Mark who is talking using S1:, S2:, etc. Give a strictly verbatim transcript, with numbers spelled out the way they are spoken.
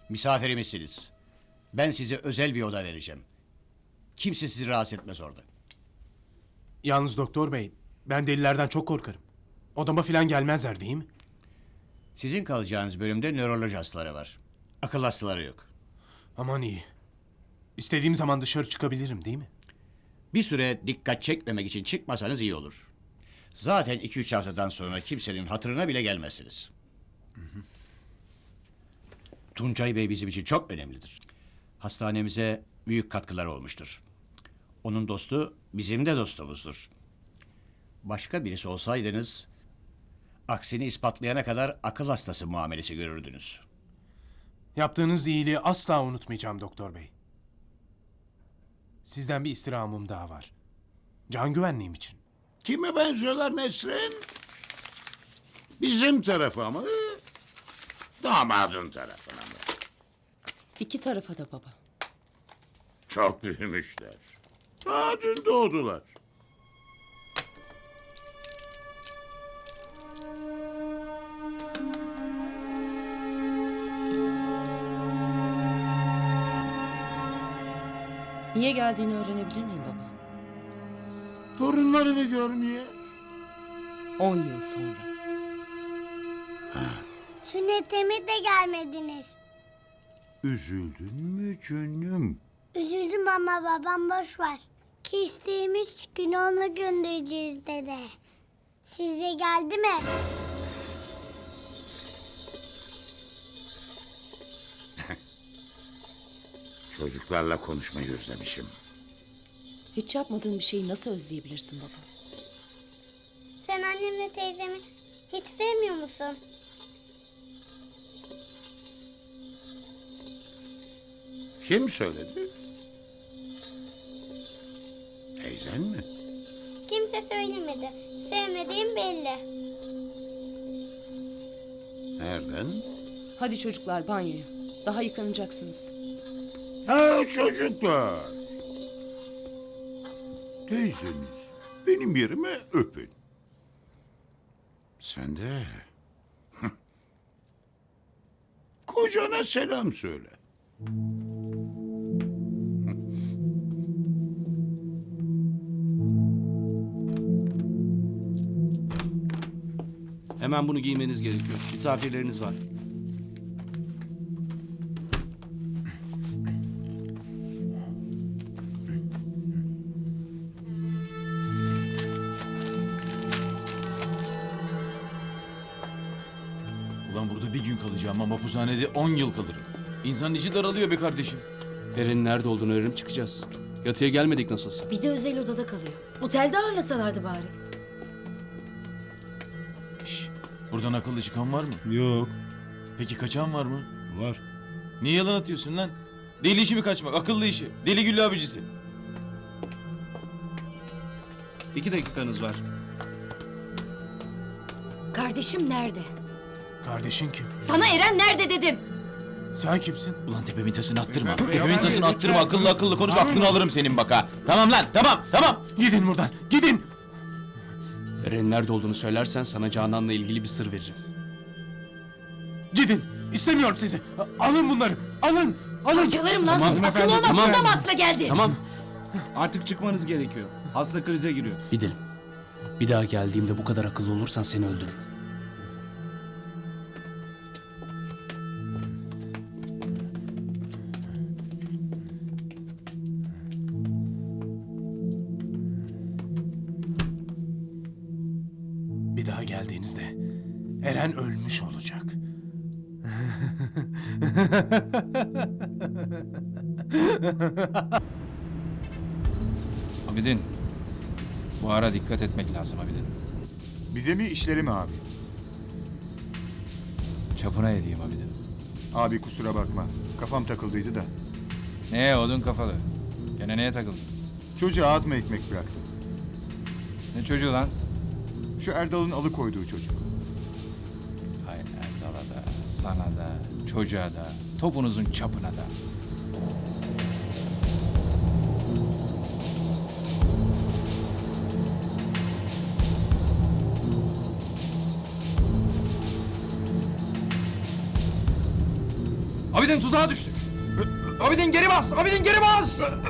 S1: Misafirimizsiniz. Ben size özel bir oda vereceğim. Kimse sizi rahatsız etmez orada.
S2: Yalnız doktor bey, ben delilerden çok korkarım. Odama falan gelmezler değil mi?
S1: Sizin kalacağınız bölümde nöroloji hastaları var. Akıl hastaları yok.
S2: Aman iyi. İstediğim zaman dışarı çıkabilirim değil mi?
S1: Bir süre dikkat çekmemek için çıkmasanız iyi olur. Zaten iki üç haftadan sonra kimsenin hatırına bile gelmezsiniz. Tuncay Bey bizim için çok önemlidir. Hastanemize büyük katkıları olmuştur. Onun dostu bizim de dostumuzdur. Başka birisi olsaydınız, aksini ispatlayana kadar akıl hastası muamelesi görürdünüz.
S2: Yaptığınız iyiliği asla unutmayacağım doktor bey. Sizden bir istirhamım daha var. Can güvenliğim için.
S3: Kime benziyorlar Nesrin? Bizim tarafa mı? Damadın tarafına mı?
S4: İki tarafa da baba.
S3: Çok büyümüşler. Daha dün doğdular.
S4: Niye geldiğini öğrenebilir miyim baba?
S3: Torunlarını görmeye.
S4: On yıl sonra.
S5: Sünnetime de gelmediniz.
S3: Üzüldün mü canım?
S5: Üzüldüm ama babam boş ver. Ki isteğimiz gün onu göndereceğiz dede. Size geldi mi?
S3: Çocuklarla konuşmayı özlemişim.
S4: Hiç yapmadığın bir şeyi nasıl özleyebilirsin baba?
S5: Sen annemle teyzemi hiç sevmiyor musun?
S3: Kim söyledi? Teyzen mi?
S5: Kimse söylemedi. Sevmediğim belli.
S3: Nereden?
S4: Hadi çocuklar banyoya. Daha yıkanacaksınız.
S3: Ha çocuklar. Teyzeniz benim yerime öpün. Sen de kocana selam söyle.
S6: Hemen bunu giymeniz gerekiyor. Misafirleriniz var.
S7: Ulan burada bir gün kalacağım ama hapishanede on yıl kalırım. İnsanın içi daralıyor be kardeşim.
S8: Eren'in nerede olduğunu öğrenip çıkacağız. Yatıya gelmedik nasılsa.
S9: Bir de özel odada kalıyor. Otelde ağırlasalardı bari.
S7: Şş, buradan akıllı çıkan var mı?
S10: Yok.
S7: Peki kaçan var mı?
S10: Var.
S7: Niye yalan atıyorsun lan? Deli işi mi kaçmak? Akıllı işi. Deli Güllü abicisi.
S6: İki dakikanız var.
S9: Kardeşim nerede?
S2: Kardeşin kim?
S9: Sana Eren nerede dedim.
S2: Sen kimsin?
S7: Ulan tepemin tasını attırma. Tepemin tasını attırma. Akıllı akıllı konuş. Aklını alırım senin bak ha. Tamam lan tamam tamam.
S2: Gidin buradan. Gidin.
S8: Eren'in nerede olduğunu söylersen sana Canan'la ilgili bir sır vereceğim.
S2: Gidin. İstemiyorum sizi. A- Alın bunları. Alın. Alın.
S9: Parçalarım lan
S8: Tamam,
S9: seni. Akıllı
S8: efendim,
S9: olmak
S8: tamam.
S9: burada mı akla geldi?
S8: Tamam,
S6: Artık çıkmanız gerekiyor. Hasta krize giriyor.
S8: gidelim. Bir daha geldiğimde bu kadar akıllı olursan seni öldürürüm.
S2: Bir daha geldiğinizde Eren ölmüş olacak.
S11: Abidin, bu ara dikkat etmek lazım Abidin.
S10: Bize mi işleri mi abi?
S11: Çapına edeyim Abidin.
S10: Abi kusura bakma. Kafam takıldıydı da.
S11: Ne odun kafalı? Gene neye takıldın?
S10: Çocuğa az mı ekmek bıraktım?
S11: Ne çocuğu lan?
S10: Şu Erdal'ın alıkoyduğu çocuk.
S11: Hay Erdal'a da, sana da, çocuğa da, topunuzun çapına da.
S6: Abidin tuzağa düştük. Abidin geri bas! Abidin geri bas!